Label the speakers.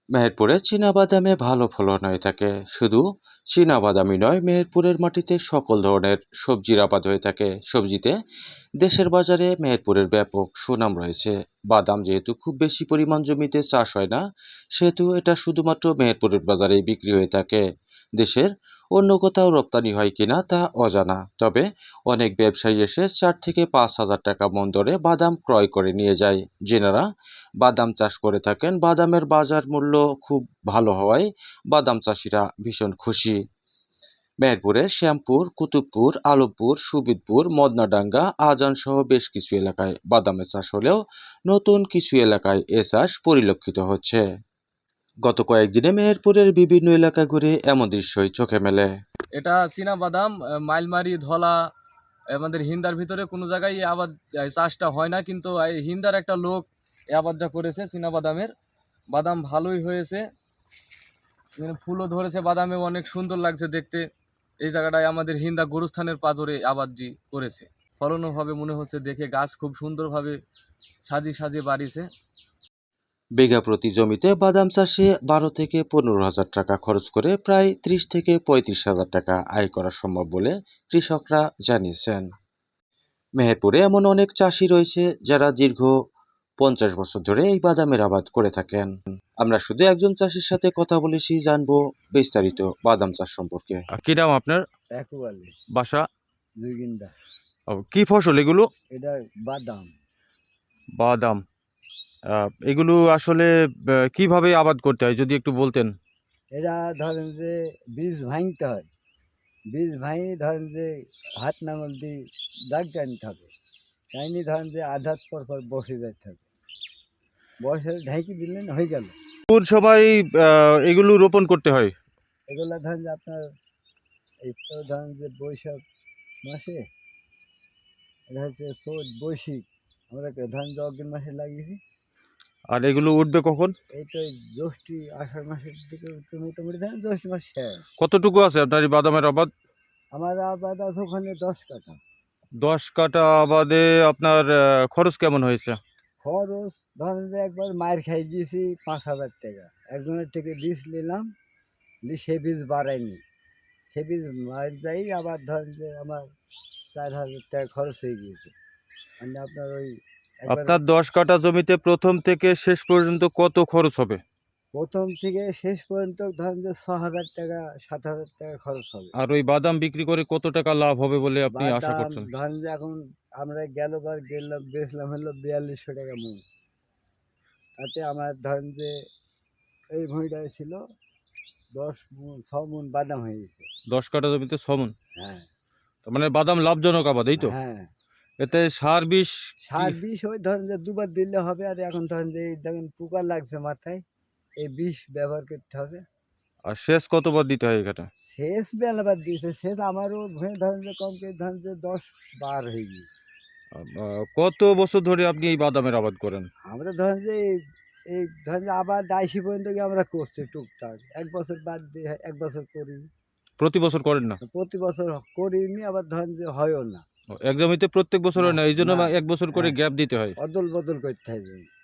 Speaker 1: মেহেরপুরে চীনাবাদামে ভালো ফলন হয়ে থাকে। শুধু চীনাবাদামই নয়, মেহেরপুরের মাটিতে সকল ধরনের সবজির আবাদ হয়ে থাকে। সবজিতে দেশের বাজারে মেহেরপুরের ব্যাপক সুনাম রয়েছে। বাদাম যেহেতু খুব বেশি পরিমাণ জমিতে চাষ হয় না, সেহেতু এটা শুধুমাত্র মেহেরপুরের বাজারেই বিক্রি হয়ে থাকে। দেশের অন্য কোথাও রপ্তানি হয় কিনা তা অজানা, তবে অনেক ব্যবসায়ী এসে 4 থেকে 5 হাজার টাকা মন দরে বাদাম ক্রয় করে নিয়ে যায়। যেনারা বাদাম চাষ করে থাকেন, বাদামের বাজার মূল্য খুব ভালো হওয়ায় বাদাম চাষিরা ভীষণ খুশি। মেহেরপুরে শ্যামপুর, কুতুবপুর, আলমপুর, সুবিদপুর, মদনাডাঙ্গা, আজান সহ বেশ কিছু এলাকায় বাদামের চাষ হলেও নতুন কিছু এলাকায় এ চাষ পরিলক্ষিত হচ্ছে। গত কয়েকদিনে মেহেরপুরের বিভিন্ন এলাকা ঘুরে এমন দৃশ্যই চোখে মেলে।
Speaker 2: এটা চীনা বাদাম, মাইলমারি, ধলা, আমাদের হিন্দার ভিতরে কোনো জায়গায় এই আবাদ চাষটা হয় না, কিন্তু এই হিন্দার একটা লোক এই আবাদটা করেছে চীনা বাদামের। বাদাম ভালোই হয়েছে, এখানে ফুলও ধরেছে, বাদামে অনেক সুন্দর লাগছে দেখতে। এই জায়গাটায় আমাদের হিন্দা গরুস্থানের পাজরে আবাদটি করেছে। ফলনও হবে মনে হচ্ছে, দেখে গাছ খুব সুন্দরভাবে সাজিয়ে সাজিয়ে বাড়িছে।
Speaker 1: বিঘা প্রতি জমিতে বাদাম চাষে 12 থেকে 15 হাজার টাকা খরচ করে প্রায় 30 থেকে 35 হাজার টাকা আয় করা সম্ভব বলে কৃষকরা জানিয়েছেন। মেহেরপুরে এমন অনেক চাষি রয়েছে যারা দীর্ঘ 50 বছর ধরে এই বাদামের আবাদ করে থাকেন। আমরা শুধু একজন চাষির সাথে কথা বলেছি, জানবো বিস্তারিত বাদাম চাষ সম্পর্কে। কি নাম আপনার?
Speaker 3: একেবারে
Speaker 1: বাসা?
Speaker 3: দুইগিন্দা।
Speaker 1: কি ফসল এগুলো?
Speaker 3: এটা বাদাম।
Speaker 1: বাদাম। এগুলো আসলে কিভাবে আবাদ করতে হয় যদি একটু বলতেন।
Speaker 3: এরা ধরেন যে বীজ ভাঙতে হয়, বীজ ভাঙি ধরেন যে হাত নাঙল দিয়ে দাগ টানতে হবে, টাইনি ধরেন যে আধাত পর পর বসে যেতে হবে, বসে ঢেঁকি দিলেন হয়ে গেল।
Speaker 1: কোন সময় এগুলো রোপণ করতে হয়?
Speaker 3: এগুলা ধরেন যে আপনার এই তো ধরেন যে বৈশাখ মাসে, এটা হচ্ছে চৈত বৈশাখ, আমরা ধরেন যে অগ্রিম মাসে লাগিয়েছি।
Speaker 1: আর এগুলো উঠবে কখন?
Speaker 3: এই তো জ্যৈষ্ঠী আষাঢ় মাসের দিকে মোটামুটি ধরেন জ্যৈষ্ঠ মাস শেষ।
Speaker 1: কতটুকু আছে আপনার এই বাদামের আবাদ?
Speaker 3: আমার আবাদ আছে ওখানে 10 কাঠা।
Speaker 1: 10 কাঠা আবাদে আপনার খরচ কেমন হয়েছে?
Speaker 3: খরচ ধরেন যে একবার মায়ের খাই দিয়েছি 5,000 টাকা। একজনের থেকে বীজ নিলাম, সে বীজ বাড়ায়নি, সে বীজ মায়ের যাই আবার ধরেন যে আমার 4,000 টাকা খরচ হয়ে গিয়েছে। মানে আপনার ওই একবার
Speaker 1: আপনার 10 কাঠা জমিতে প্রথম থেকে শেষ পর্যন্ত কত খরচ হবে?
Speaker 3: প্রথম থেকে শেষ পর্যন্ত ধরেন যে 6,000 টাকা 7,000 টাকা খরচ হবে।
Speaker 1: আর ওই বাদাম বিক্রি করে কত টাকা লাভ হবে বলে আপনি আশা
Speaker 3: বাদাম
Speaker 1: করছেন?
Speaker 3: ধরেন যে এখন আমরা গেলবার গেলাম বেচলাম হলো 4200 টাকা মন। তাতে আমার ধরেন যে এই ভুঁইটায় ছিল 10 মণ 6 মণ বাদাম হয়ে গেছে।
Speaker 1: 10 কাঠা জমিতে 6 মণ।
Speaker 3: হ্যাঁ,
Speaker 1: তার মানে বাদাম লাভজনক আবাদ, এই তো?
Speaker 3: হ্যাঁ।
Speaker 1: এতে সার বিষ
Speaker 3: সার বিষ ওই ধরেন যে দুবার দিলে হবে। আর এখন ধরেন যে এই দেখেন পোকা লাগছে মাথায়, এই বিষ ব্যবহার করতে হবে।
Speaker 1: আর সেচ কতবার দিতে হয় এই কাঠা?
Speaker 3: সেচ বেলাবার দিয়েছে, সেচ আমারও ভুঁয়ে ধরেন যে কমকে ধরেন যে 10 বার হয়ে গিয়েছে।
Speaker 1: কত বছর ধরে আপনি এই বাদামের আবাদ করেন?
Speaker 3: আমরা ধরেন যে এই ধরেন যে আবার 82 পর্যন্ত গিয়ে আমরা করছি টুকটাক। 1 বছর বাদ দিয়ে 1 বছর করিনি।
Speaker 1: প্রতি বছর করেন না?
Speaker 3: প্রতি বছর করিনি, আবার ধরেন যে হয়ও না।
Speaker 1: এক জমিতে প্রত্যেক বছর
Speaker 3: না,
Speaker 1: হয় না, এই জন্য
Speaker 3: না,
Speaker 1: 1 বছর করে
Speaker 3: হ্যাঁ,
Speaker 1: গ্যাপ দিতে হয়।
Speaker 3: অদল বদল করতে হয়।